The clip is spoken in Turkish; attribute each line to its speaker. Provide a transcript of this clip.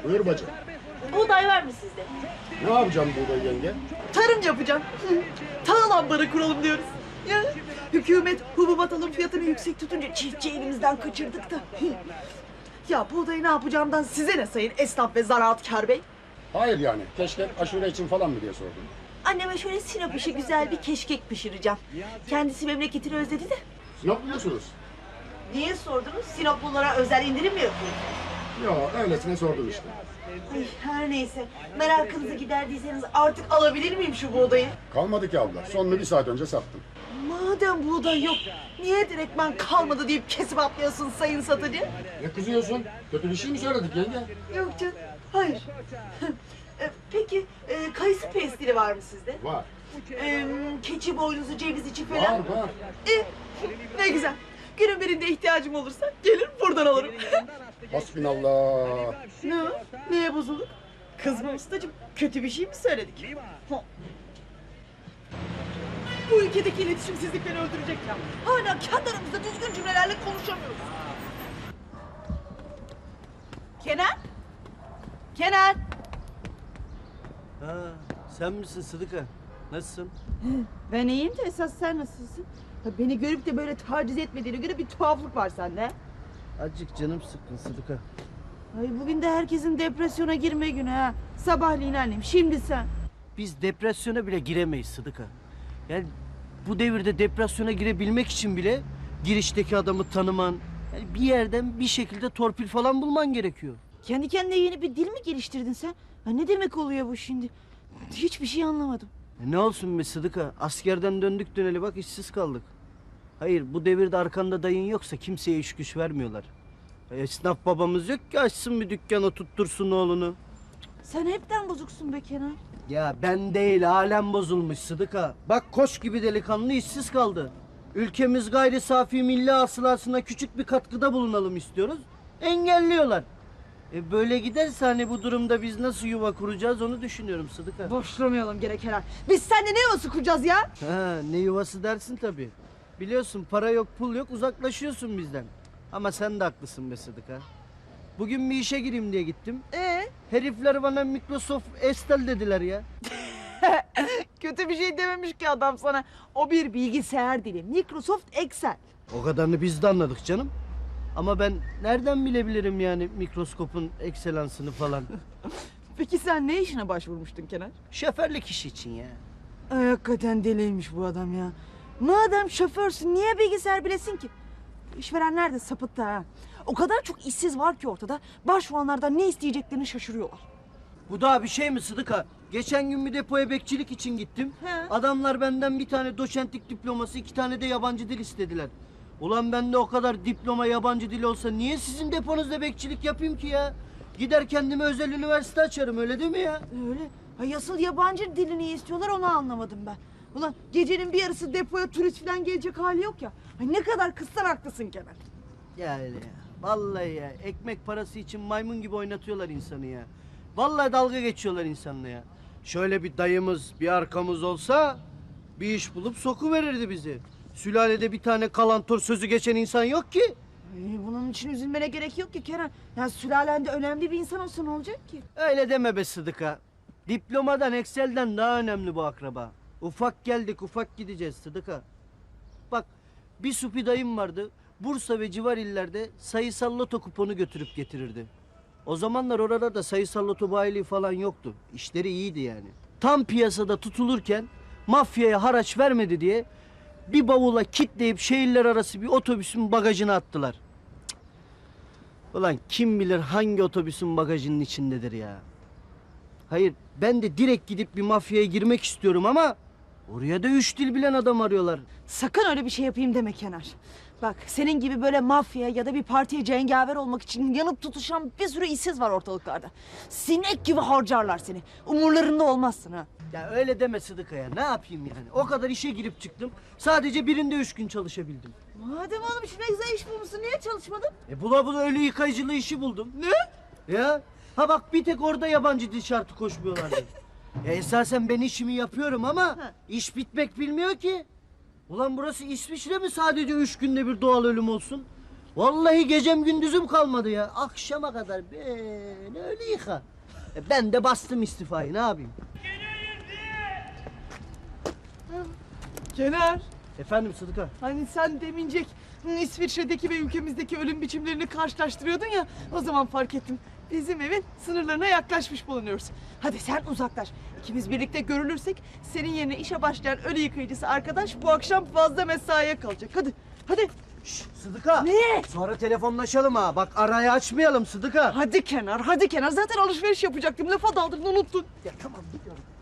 Speaker 1: Buyur bacım.
Speaker 2: Buğday var mı sizde?
Speaker 1: Ne yapacağım buğday yenge?
Speaker 2: Tarım yapacağım. Tahıl ambarı kuralım diyoruz. Ya, hükümet hububat alım fiyatını yüksek tutunca çiftçi elimizden kaçırdık da. Ya buğdayı ne yapacağımdan size ne sayın esnaf ve zaraatkar bey?
Speaker 1: Hayır yani. Keşke aşure için falan mı diye sordum.
Speaker 2: Anneme şöyle Sinop işi güzel bir keşkek pişireceğim. Kendisi memleketini özledi de.
Speaker 1: Sinop biliyorsunuz.
Speaker 2: Niye sordunuz? Sinoplulara özel indirim mi yapıyor?
Speaker 1: Yo öylesine sordum işte.
Speaker 2: Ay, her neyse. Merakınızı giderdiyseniz artık alabilir miyim şu buğdayı?
Speaker 1: Kalmadı ki abla. Sonunu 1 saat önce sattım.
Speaker 2: Madem buğday yok, niye direktmen kalmadı deyip kesip atlıyorsun sayın satıcı?
Speaker 1: Ne kızıyorsun? Kötü bir şey mi söyledik yenge?
Speaker 2: Yok canım, hayır. Peki, kayısı pestili var mı sizde?
Speaker 1: Var.
Speaker 2: Keçi boynuzu, ceviz içi falan?
Speaker 1: Var var.
Speaker 2: Ne güzel. Günün birinde ihtiyacım olursa gelir buradan alırım.
Speaker 1: Hasbinallah.
Speaker 2: Ne o? Neye bozulduk? Kızma ustacığım, kötü bir şey mi söyledik? Bu ülkedeki iletişimsizlik beni öldürecek ya. Hala kendi aramızda düzgün cümlelerle konuşamıyoruz. Kenan? Kenan?
Speaker 3: Ha, sen misin Sıdıka? Nasılsın?
Speaker 2: Ben iyiyim de esas sen nasılsın? Beni görüp de böyle taciz etmediğine göre bir tuhaflık var sende.
Speaker 3: Azıcık canım sıkkın Sıdıka.
Speaker 2: Ay bugün de herkesin depresyona girme günü ha. Sabahleyin annem, şimdi sen.
Speaker 3: Biz depresyona bile giremeyiz Sıdıka. Yani bu devirde depresyona girebilmek için bile girişteki adamı tanıman, yani bir yerden bir şekilde torpil falan bulman gerekiyor.
Speaker 2: Kendi kendine yeni bir dil mi geliştirdin sen? Ha, ne demek oluyor bu şimdi? Hiçbir şey anlamadım.
Speaker 3: Ne olsun be Sıdıka? Askerden döndük döneli bak işsiz kaldık. Hayır bu devirde arkanda dayın yoksa kimseye iş güç vermiyorlar. Esnaf babamız yok ki açsın bir dükkanı tuttursun oğlunu.
Speaker 2: Sen hepten bozuksun be Kenan.
Speaker 3: Ya ben değil alem bozulmuş Sıdıka. Bak koç gibi delikanlı işsiz kaldı. Ülkemiz gayri safi milli hasılasına küçük bir katkıda bulunalım istiyoruz. Engelliyorlar. Böyle giderse hani bu durumda biz nasıl yuva kuracağız onu düşünüyorum Sıdıka.
Speaker 2: Boşlamayalım gene Kenan. Biz seninle ne yuvası kuracağız ya?
Speaker 3: Ha, ne yuvası dersin tabii. Biliyorsun para yok pul yok uzaklaşıyorsun bizden. Ama sen de haklısın be Sıdıka. Bugün bir işe gireyim diye gittim. Herifler bana Microsoft Excel dediler ya.
Speaker 2: Kötü bir şey dememiş ki adam sana. O bir bilgisayar dili. Microsoft Excel.
Speaker 3: O kadarını biz de anladık canım. Ama ben nereden bilebilirim yani mikroskopun ekselansını falan.
Speaker 2: Peki sen ne işine başvurmuştun Kenan?
Speaker 3: Şoförlük işi için ya.
Speaker 2: Ay, hakikaten deliymiş bu adam ya. Madem şoförsün niye bilgisayar bilesin ki? İşverenler de sapıttı ha. O kadar çok işsiz var ki ortada. Başvuranlardan ne isteyeceklerini şaşırıyorlar.
Speaker 3: Bu daha bir şey mi Sıdıka? Geçen gün bir depoya bekçilik için gittim.
Speaker 2: He.
Speaker 3: Adamlar benden bir tane doçentlik diploması, 2 tane de yabancı dil istediler. Ulan bende o kadar diploma yabancı dil olsa niye sizin deponuzda bekçilik yapayım ki ya? Gider kendime özel üniversite açarım öyle değil mi ya?
Speaker 2: Öyle. Ay asıl yabancı dilini istiyorlar onu anlamadım ben. Ulan gecenin bir yarısı depoya turist falan gelecek hali yok ya. Ay ne kadar kızsan haklısın Kenan.
Speaker 3: Ya öyle ya. Vallahi ya. Ekmek parası için maymun gibi oynatıyorlar insanı ya. Vallahi dalga geçiyorlar insanla ya. Şöyle bir dayımız, bir arkamız olsa bir iş bulup sokuverirdi bizi. Sülalede bir tane kalantor sözü geçen insan yok ki.
Speaker 2: Bunun için üzülmene gerek yok ki Kenan. Ya sülalende önemli bir insan olsa ne olacak ki?
Speaker 3: Öyle deme be Sıdıka. Diplomadan, Excel'den daha önemli bu akraba. Ufak geldik, ufak gideceğiz Sıdıka. Bak, bir supi dayım vardı. Bursa ve civar illerde sayısal loto kuponu götürüp getirirdi. O zamanlar oralarda sayısal loto bayiliği falan yoktu. İşleri iyiydi yani. Tam piyasada tutulurken mafyaya haraç vermedi diye bir bavula kitleyip şehirler arası bir otobüsün bagajına attılar. Cık. Ulan kim bilir hangi otobüsün bagajının içindedir ya. Hayır ben de direkt gidip bir mafyaya girmek istiyorum ama oraya da 3 dil bilen adam arıyorlar.
Speaker 2: Sakın öyle bir şey yapayım deme Kenar. Bak senin gibi böyle mafya ya da bir partiye cengaver olmak için yanıp tutuşan bir sürü işsiz var ortalıklarda. Sinek gibi harcarlar seni. Umurlarında olmazsın ha.
Speaker 3: Ya öyle deme Sıdıka ya. Ne yapayım yani? O kadar işe girip çıktım. Sadece birinde 3 gün çalışabildim.
Speaker 2: Madem oğlum şimdi güzel iş bulmuşsun niye çalışmadın?
Speaker 3: Bula bula ölü yıkayıcılığı işi buldum. Ne? Ya. Ha bak bir tek orada yabancı dil şartı koşmuyorlardı. Esasen ben işimi yapıyorum ama iş bitmek bilmiyor ki. Ulan burası İsviçre mi sadece 3 günde bir doğal ölüm olsun? Vallahi gecem gündüzüm kalmadı ya. Akşama kadar böyle öyle yıka. Ben de bastım istifayı, ne yapayım?
Speaker 2: Kenar.
Speaker 3: Efendim Sıdıka?
Speaker 2: Hani sen demincek İsviçre'deki ve ülkemizdeki ölüm biçimlerini karşılaştırıyordun ya, o zaman fark ettim. Bizim evin sınırlarına yaklaşmış bulunuyoruz. Hadi sen uzaklaş. İkimiz birlikte görülürsek senin yerine işe başlayan ölü yıkayıcısı arkadaş bu akşam fazla mesaiye kalacak. Hadi, hadi.
Speaker 3: Şşş Sıdıka!
Speaker 2: Ne?
Speaker 3: Sonra telefonlaşalım ha. Bak arayı açmayalım Sıdıka.
Speaker 2: Hadi Kenar, hadi Kenar. Zaten alışveriş yapacaktım. Lafa daldırdın, unuttun.
Speaker 3: Ya tamam gidiyorum.